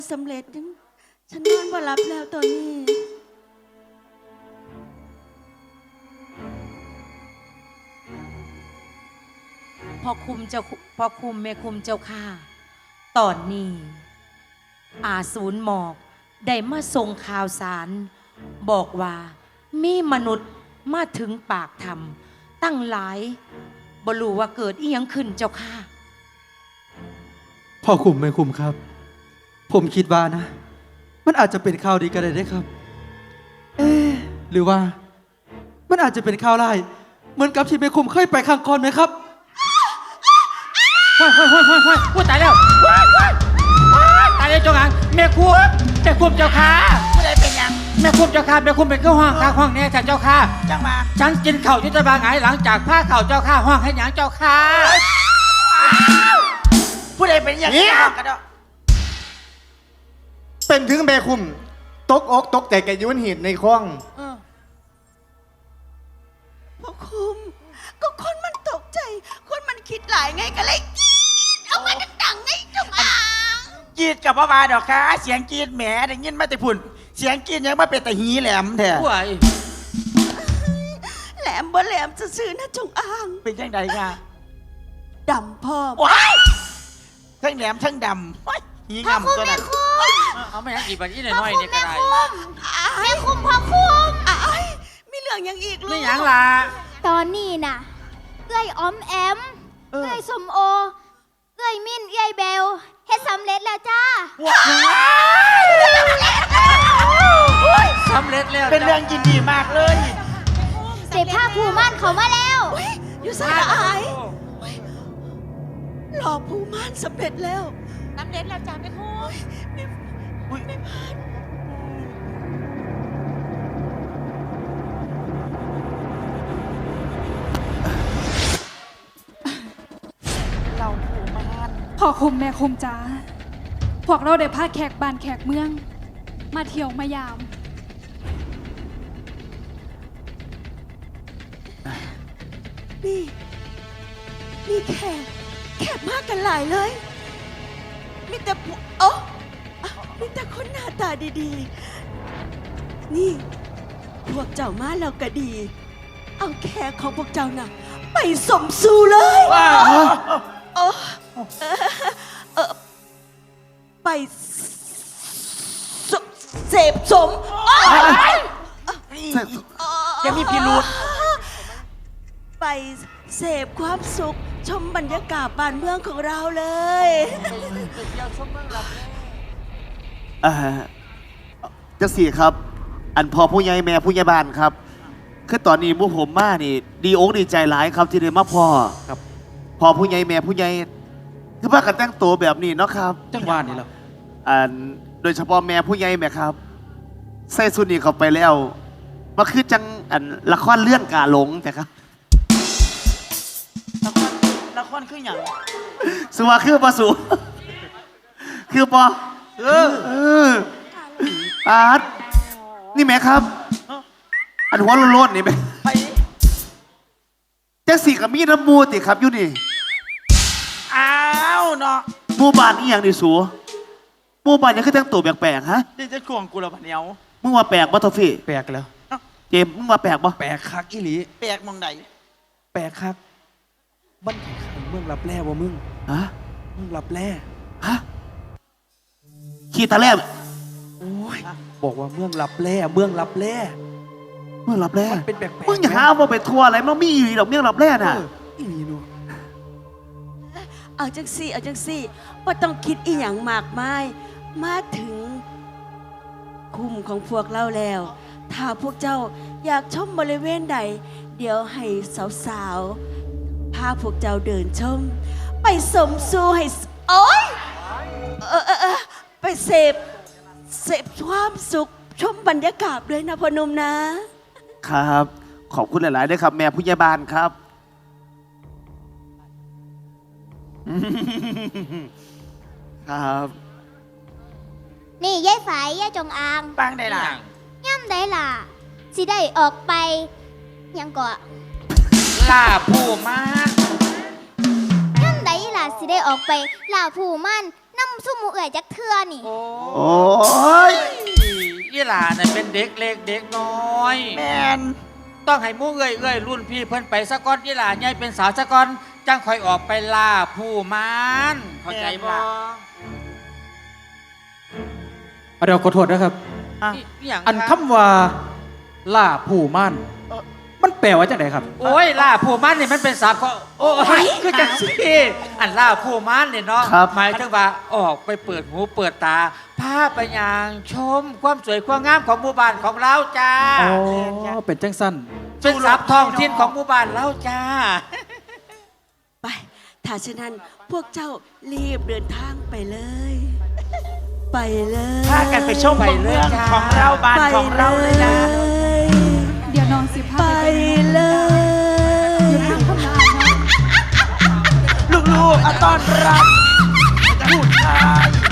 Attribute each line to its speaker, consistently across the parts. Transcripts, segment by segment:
Speaker 1: สำเร็จฉันนอนบ่หลับแล้วตอนนี้
Speaker 2: พ่อคุมเจ้าพ่อคุมแม่คุมเจ้าข้าตอนนี้อาศูนย์หมอกได้มาส่งข่าวสาร บอกว่ามีมนุษย์มาถึงปากถ้ำตั้งหลายบ่รู้ว่าเกิดอีหยังขึ้นเจ้าข้า
Speaker 3: พ่อคุมแม่คุมครับ ผมคิดว่านะ มันอาจจะเป็นข่าวดีก็ได้เด้ครับ หรือว่ามันอาจจะเป็นข่าวร้ายเหมือนกับที่แม่คุมเคยไปครั้งก่อนไหมครับ
Speaker 4: พูดตายแล้วตายแล้วเจ้าหางแม่คุมเจ้าค่ะผู้ใดเป็นยังแม่คุมเจ้าค่ะแม่คุมเป็นก็ห้องข้างห้องนี้ฉันเจ้าค่ะจังมาฉันกินเข่ายุทธบาลไงหลังจากผ้าเข่าเจ้าค่ะห้องให้หยังเจ้าค่ะผู้ใดเป็นอย่างนี้กันเนาะ
Speaker 5: เป็นถึงแม่คุมตกอกตกใจแกยุ่นหินในคลอง
Speaker 1: พ่อคุมก็คนมันตกใจคนมันคิดหลายไงก็เลยกรีดเอามาดังๆไงจงอาง
Speaker 4: กีดกับพ่อมาดอกค่ะเสียงกีดแหมได้ยินมาแต่พุ่นเสียงกีดยังมาเป็นแต่หีแหลมแท้
Speaker 1: แหลมบ่แหลมจะซื้อๆนะจงอาง
Speaker 4: เป็นยังไงค่ะ
Speaker 1: ดำพ่อ
Speaker 4: ว้ายทั้งแหลมทั้งดำว้ายหีงามตัวนั้นเอาไม่ยังอีกแบบนี้หน่อยนี่ก็ได้
Speaker 1: แม่คุมพ่อคุมมีเรื่องยังอีกลูก
Speaker 4: ไม่ยังล่ะ
Speaker 6: ตอนนี้น่ะเอ้ยออมแอมเอ้ยสมโอเอ้ยมิ้นเอ้ยเบลเฮ็ดสำเร็จแล้วจ้า
Speaker 4: สำเร็จแล้วเป็นเรื่องยินดีมากเลย
Speaker 6: เสพผ้าผูม่านเขามาแล้ว
Speaker 1: อยู่สายอายหล่อภูม่านสำเร็จแล้ว
Speaker 2: สำเร็จแล้วจ้าแม่คุม
Speaker 1: ไม่พลาด
Speaker 4: เราผูมาน
Speaker 7: พ่อคุมแม่คุมจ้าพวกเราได้พาแขกบ้านแขกเมืองมาเที่ยวมายาม
Speaker 1: นี่แขกมากกันหลายเลยมีแต่มีแต่คนหน้าตาดีๆนี่พวกเจ้ามาแล้วก็ดีเอาแขกของพวกเจ้าน่ะไปสมสู่เลยไปเสพสม
Speaker 4: ยังมีพิรุธ
Speaker 1: ไปเสพความสุขชมบรรยากาศบ้านเมืองของเราเลย
Speaker 5: จะสี่ครับ อันพอผู้ใหญ่แม่ผู้ใหญ่บ้านครับคือตอนนี้พวกผมมานี่ดีอกดีใจหลายครับที่ได้มาพ่อครับพอผู้ใหญ่แม่ผู้ใหญ่คือว่ากันแต่งตัวแบบนี้เนาะครับ
Speaker 3: จังหวะนี้แล้ว
Speaker 5: โดยเฉพาะแม่ผู้ใหญ่แม่ครับใส่สุนีเข้าไปแล้วมาคือจังละครเลื่อนกาหลงแต่ครับ
Speaker 4: ละครคืออย่าง
Speaker 5: สุว่าคือปะสุคือปอปาดนี่แม่ครับอันหัวโล้นๆนี่แม่จะสีกับมีน้ำมูติครับอยู่นี่
Speaker 4: อ้าวเนาะ
Speaker 5: หมู่บ้านนี่อย่างดิสูหมู่บ้านยังคือแต่งตัวแปลกๆฮะ
Speaker 4: นี่จะข่วงกูละพันเนียว
Speaker 5: มึงว่าแปลกบ่ทอฟฟี่
Speaker 3: แปลกแล้ว
Speaker 5: เจมมึงว่าแปลกบ่
Speaker 3: แปลกคักอีหลี
Speaker 4: แปลกมองไหน
Speaker 3: แปลกคักบ้านไข่เมืองรับแร่บ่มึง
Speaker 5: ฮะ
Speaker 3: มึงรับแร่
Speaker 5: ฮะขี้ตาแล่
Speaker 3: โอ้ยบอกว่าเมืองรับแร่เมืองรับแร่
Speaker 5: เมืองรับแร่
Speaker 3: มันเป็นแปลกๆ
Speaker 5: มึงอย่าหาว่าไปทัวร์อะไรมันมีอยู่ดอกเมืองรับแร่น่ะ
Speaker 3: อีหลีนู
Speaker 1: เอาจังสี่ว่าต้องคิดอีหยังมากมายมาถึงคุมของพวกเราแล้ว ถ้าพวกเจ้าอยากชมบริเวณใดเดี๋ยวให้สาวๆพาพวกเจ้าเดินชมไปสมสู่ให้โอ๊ยไปเสพความสุขชมบรรยากาศเลยนะพ่อหนุ่มนะครับ
Speaker 5: ขอบคุณหลายๆด้วยครับแม่ผู้ใหญ่บ้านครับครับ
Speaker 6: นี่ยายฝายยายจงอาง
Speaker 4: ปังได้ล่ะ
Speaker 6: ย่ำได้ล่ะสิได้ออกไปยังก่อ
Speaker 4: ล่าผู้มาน
Speaker 6: ย่ำได้ล่ะสิได้ออกไปล่าผู้มันนน้ำซุ่มหมูเอื่อยจักเทือนี่
Speaker 4: โอ้
Speaker 5: โอ้ย
Speaker 4: ยี่หลาเนี่ยเป็นเด็กเล็กเด็กน้อย
Speaker 5: แมน
Speaker 4: ต้องให้หมู่เอ้ยรุ่นพี่เพิ่นไปสะก้อนยี่หลาใหญ่เป็นสาวสะก้อนจังคอยออกไปล่าผู้มานเข้าใจบ่
Speaker 3: เดี๋ยวขอโทษนะครับ
Speaker 4: อหย่าง
Speaker 3: อันคำว่าล่าผู้ม่านมันแปลว่าจังไดครับ
Speaker 4: โอ้ยล่าผู้มานนี่มันเป็นศัพท์เขาโอ้ยคือจังซี่อันล่าผู้มานเนี่ยเนาะหมายถึงว่าออกไปเปิดหูเปิดตาพาไปยางชมความสวยความงามของหมู่บ้านของเราจ้า
Speaker 3: อ๋อ เป็นจังสั้น
Speaker 4: เป็นศัพท์ท้องถิ่นของหมู่บ้านเราจ้า
Speaker 1: ไป ถ้าฉะนั้นพวกเจ้ารีบเดินทางไปเลย ไปเลย
Speaker 8: พากันไปชมเมืองของเราบ้านของเราเลยนะ
Speaker 7: เดี๋ยวน้องสิพา
Speaker 1: ไป
Speaker 7: ไป
Speaker 1: เลย
Speaker 7: อยู่ทางข้างหน้าเนาะ
Speaker 8: ลูกๆอะต้อนรับผู้ชาย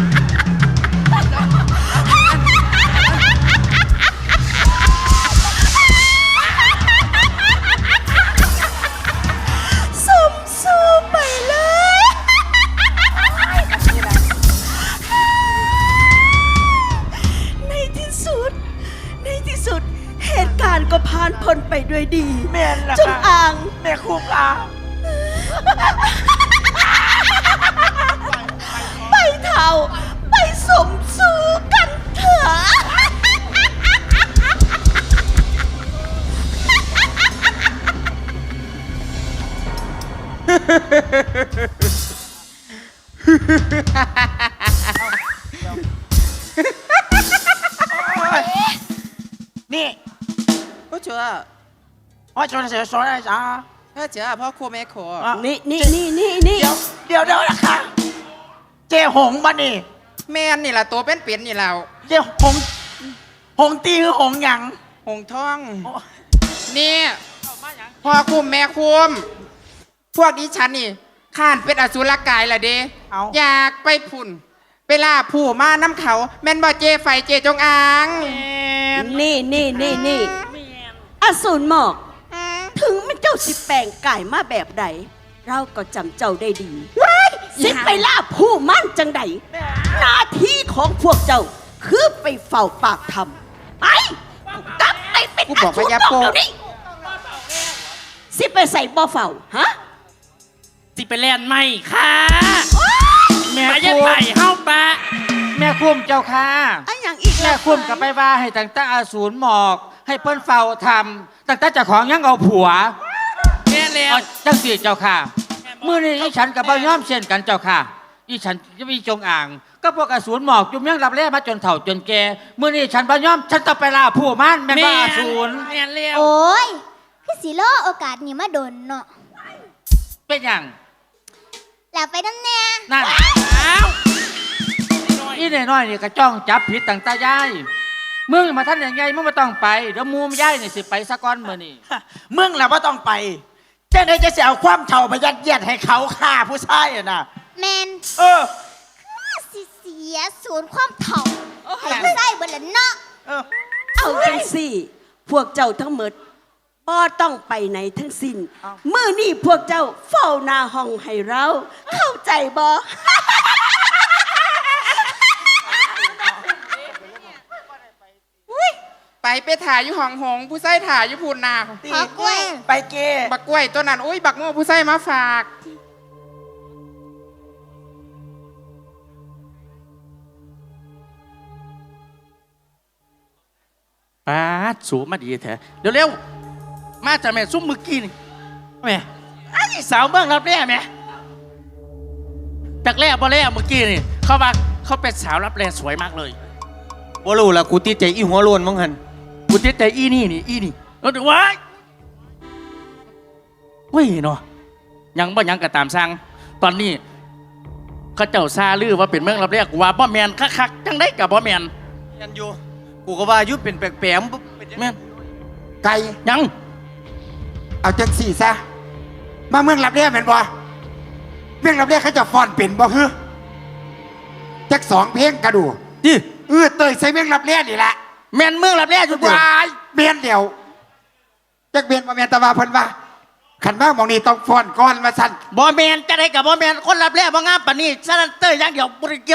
Speaker 1: สมสู้ไปเลย ในที่สุด เหตุการณ์ก็ผ่านพ้นไปด้วยดี
Speaker 8: แม่นล่ะ
Speaker 1: จง
Speaker 8: ค่ะ
Speaker 1: อาง
Speaker 8: แม่คุกอ่ะ
Speaker 1: ไปเท่า ไปสมสู้กันเถอะ
Speaker 8: นี่
Speaker 9: 不觉得，
Speaker 8: ว่าชนเสียสอนอะไรจ้า
Speaker 9: 他觉得พ่อครัวแม่ครัว
Speaker 1: นี่
Speaker 8: เดี๋ยวนะคะเจ๊หงบ้านี่
Speaker 9: แม่นนี่ล่ะตัวเป็นเปลี่ยนนี่แล้ว
Speaker 8: เจ๊หงตีคือหงหยัง
Speaker 9: หงทอง นี่พ่อคุมแม่คุมพวกดิฉันนี่ข้านเป็นอสุรกายละเด้
Speaker 8: เอา
Speaker 9: อยากไปพุ่นไปล่าผู้มาน้ำเขา แม่นบ่เจไฟเจจงอาง
Speaker 1: นี่อสูรหมอก ถึงมันเจ้าสิแปลงกายมาแบบใด เราก็จำเจ้าได้ดีสิไปล่าผู้มั่นจังใดหน้าที่ของพวกเจ้า คือไปเฝ้าปากทำไปกลับไปเป็น
Speaker 9: กูบอกว่าอย่าโป
Speaker 1: เดี๋ยวนี้สิไปใส่บ่อเฝ้าฮะ
Speaker 8: สิไปแลนไม่ค่ะ
Speaker 4: แม่
Speaker 8: ไป
Speaker 4: คุ
Speaker 8: ยัง
Speaker 4: ม
Speaker 8: ไปเฮ้าปะ
Speaker 4: แม่คุมเจ้าค่ะ
Speaker 1: อันอย่างอีก
Speaker 4: แม่คุมกับไปว่าให้ตั้งแต่อสูรหมอก ให้เปิ้นเฝ้าทำตั้งแต่เจ้าของยังเอาผัว
Speaker 8: แม่แล้ว
Speaker 4: เอาจังสีเจ้าค่ะมื่อนี้อีฉันกับบ่ยอมเช่นกันเจ้าค่ะอีฉันจะมีจงอ่าง ก็พวกอสูรหมอกจุ่มยังรับแร่มาจนเฒ่าจนแก่มื่อนี้ฉันบ่ยอมฉันต้องไปล่าผู้มันแม่นว่าอสูร
Speaker 8: แม่แล้ว
Speaker 6: โอ้ย คือสิโลโอกาสนี้มาโดนเนาะ
Speaker 4: เป็นอย่าง
Speaker 6: แล้วไปน้ำแน่
Speaker 4: นั่นอีน้อยๆนี่ก็จ้องจับผิดตั้งแต่ยายมึงมาท่านอย่างไงมึงไม่ต้องไปเดี๋ยวมูมยายนี่สิไปสะก้อนมื้อนี่
Speaker 8: มึงแหละว่าต้องไปเจ้าไหนจะเสียเอาความเท่าไปยัดเยียดให้เขาฆ่าผู้ชายอะนะ
Speaker 6: แมน
Speaker 8: เออ
Speaker 6: สิเสียศูนย์ความเถ่าให้ผู้ใส่เบิดละเนาะ
Speaker 8: เออ
Speaker 1: เอาจังสี่ พวกเจ้าทั้งหมดบ่ต้องไปไหนทั้งสิ้นมื้อนี้พวกเจ้าเฝ้าหน้าห้องให้เรา เข้าใจบ่
Speaker 9: ไปถ่ายอยู่ห้องหงผู้ใส่ถ่ายอยู่พูนนา
Speaker 6: ขอกล้วย
Speaker 8: ไปเก
Speaker 9: บักกล้วยตัวนั้นอุ้ยบักโม่ผู้ใส่มาฝาก
Speaker 10: ป้าดสูมาดีแท้เร็วๆมาจากแม่ซุ้มมือกี้นี่แม่ไอ้สาวเมืองรับแร่แม่จากแร่บ่แร่เมื่อกี้นี่เขาว่าเขาเป็นสาวรับแร่สวยมากเลย
Speaker 5: บ่รู้ละกูติดใจอีหัวโลนมั้งหัน
Speaker 10: กูติดใจอีนี่แล้วดูว้ายเว้ยเนาะยังบ่ยังก็ตามสั่งตอนนี้เขาเจ้าซาลือว่าเป็นเมืองรับแร่กูว่าบ่แมนคักๆจังได้กับบ่แมน
Speaker 5: ยันอยู่กูก็ว่ายุดเป็นแปลก
Speaker 10: แม่น
Speaker 8: ไก่
Speaker 10: ยัง
Speaker 8: เอาจังสี่ซะ มาเมืองรับเรียแม่นบ่เมืองรับเรียเขาจะฟ้อนเป็นบ่ฮึจักสองเพลงกระดู
Speaker 10: ดิ
Speaker 8: เตยใส่เมืองรับเรียนี่แหละ
Speaker 10: แมนเมืองรับแร่จุดเดียว
Speaker 8: วายเมียนเดียวจักเมียนบ่เมียนแตะวาเพิ่นว่าขันมากมองนี่ต้องฟ้อนก่อนมาสั่น
Speaker 10: บ่แมนจะได้กับบ่แมนคนรับแร่บ่งามปานนี้ซะนั่นเตยอย่างเดียวบ่ได้เกี่ยว